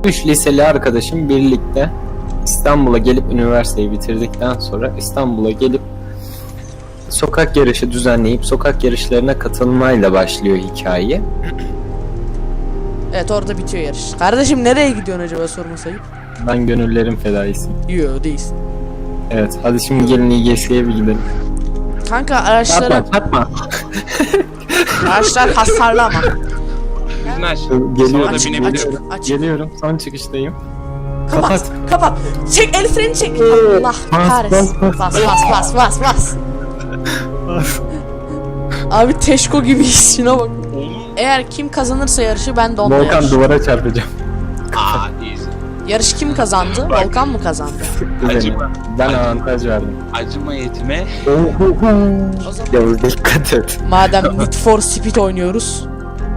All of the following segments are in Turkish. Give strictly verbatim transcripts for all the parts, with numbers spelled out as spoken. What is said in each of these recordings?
Üç liseli arkadaşım birlikte İstanbul'a gelip üniversiteyi bitirdikten sonra İstanbul'a gelip sokak yarışı düzenleyip sokak yarışlarına katılmayla başlıyor hikaye. Evet, orada bitiyor yarış. Kardeşim nereye gidiyorsun acaba, sorma sayıp? Ben gönüllerin fedaisiyim. Yo, değilsin. Evet, hadi şimdi gelin İ G S'ye bir gidelim. Kanka araçları... Çarpma, çarpma. Araçlar hasarlama. Güneş. Geliyorum, Açık, geliyorum. açık, açık. Geliyorum, son çıkıştayım. Kapat, Kapat. kapat. Çek, el freni çek. Allah Bas, kahretsin. bas, Bas, bas. bas, bas, bas, bas. Abi Teşko gibiyiz, şuna bak. Eğer kim kazanırsa yarışı, ben de onunla Volkan yarış. duvara çarpacağım. Aa, easy. Yarış kim kazandı? Volkan mı kazandı? Acıma. Ben avantaj verdim. Acıma yetime. O zaman Yavuz dikkat et. madem Need for Speed oynuyoruz.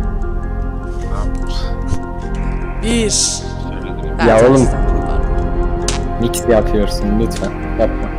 Bir. Söyledim. Ya Evet, oğlum. evet. Mix yapıyorsun lütfen. Yapma.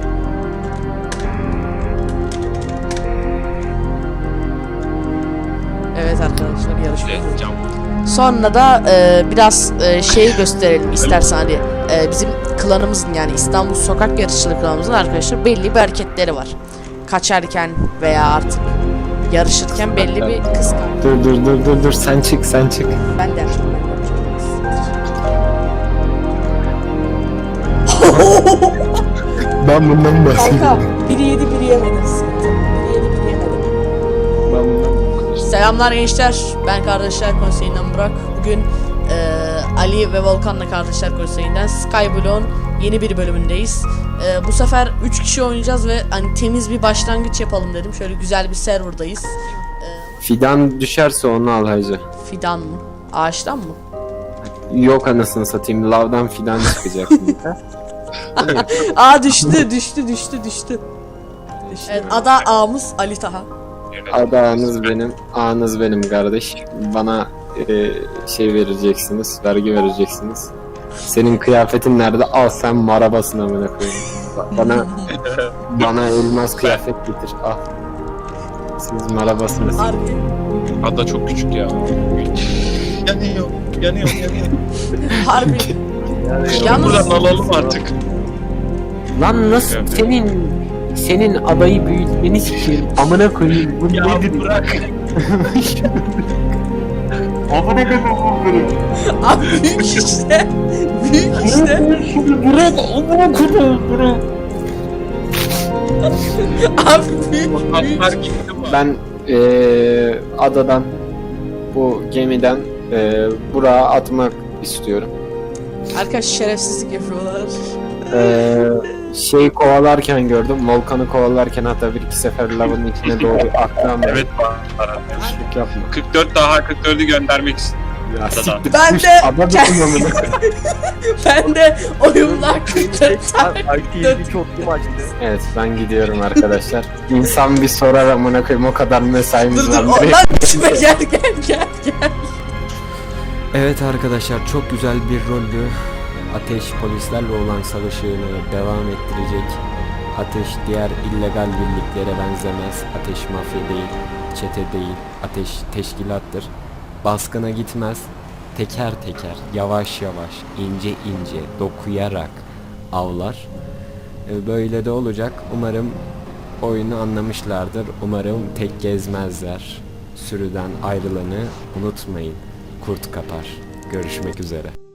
Evet arkadaşlar, yarışma. Evet, cam. Sonra da e, biraz e, şey gösterelim istersen, hani e, bizim klanımızın, yani İstanbul Sokak Yarışçılık klanımızın arkadaşlar belli bir hareketleri var. Kaçarken veya artık yarışırken belli bir kıskan. Dur dur dur dur dur sen çık sen çık. Ben de yapacağım, ben de yapacağım. Ben bundan bahsedeyim. Kanka biri yedi biri yemedi, sıkıntı. Biri yedi biri yemedi. Ben bundan Selamlar gençler, ben Kardeşler Konseyi'nden Burak. Bugün eee, Ali ve Volkan'la Kardeşler Konseyi'nden Skyblock'un yeni bir bölümündeyiz. Eee, bu sefer üç kişi oynayacağız ve hani temiz bir başlangıç yapalım dedim. Şöyle güzel bir serverdayız. Eee, Fidan düşerse onu al hacı. fidan mı? Ağaçtan mı? Yok anasını satayım. Lavdan fidan çıkacak. Aa, düştü düştü düştü düştü. Evet, ada ağamız Ali Taha. Adağınız benim, ağınız benim kardeş. Bana e, şey vereceksiniz, vergi vereceksiniz. Senin kıyafetin nerede? Al sen marabasın amına koyayım. Bana bana elmas kıyafet getir. Al. Siz marabasınız. Harbi. Ada çok küçük ya. Yanıyor, yanıyor, yanıyor. Harbi. Yalnız- Buradan alalım artık. Lan nasıl Evet. senin senin adayı büyütmeni sikeyim. Amına koyayım. Bu Ya nedir? bırak. Amına koyayım. Abi büyük işte. Büyük işte. Bırak amına koyayım. Bırak. Abi büyük büyük. Atlar gitti mi? Ben eee adadan bu gemiden eee buraya atmak istiyorum. Arkadaş şerefsizlik yapıyorlar. Eee şey kovalarken gördüm. Volkan'ı kovalarken hatta bir iki sefer lavın içine doğru attım. Evet var. Yanlışlık yapma. kırk dört daha kırk dördü göndermek istedim. Ya Adadan. siktir. Ben Kuş, de- ada dokunmamını. Ben de oyunlar kırk çok mu açtı? Evet ben gidiyorum arkadaşlar. İnsan bir sorar amına koyayım o kadar mesaimiz Dur var. dur, Direkt- lan içime gel gel gel gel. Evet arkadaşlar, çok güzel bir roldü. Ateş polislerle olan savaşını devam ettirecek. Ateş diğer illegal birliklere benzemez. Ateş mafya değil, çete değil. Ateş teşkilattır. Baskına gitmez. Teker teker, yavaş yavaş, ince ince, dokuyarak avlar. Ee, Böyle de olacak. Umarım oyunu anlamışlardır. Umarım tek gezmezler. Sürüden ayrılanı unutmayın. Kurt kapar. Görüşmek üzere.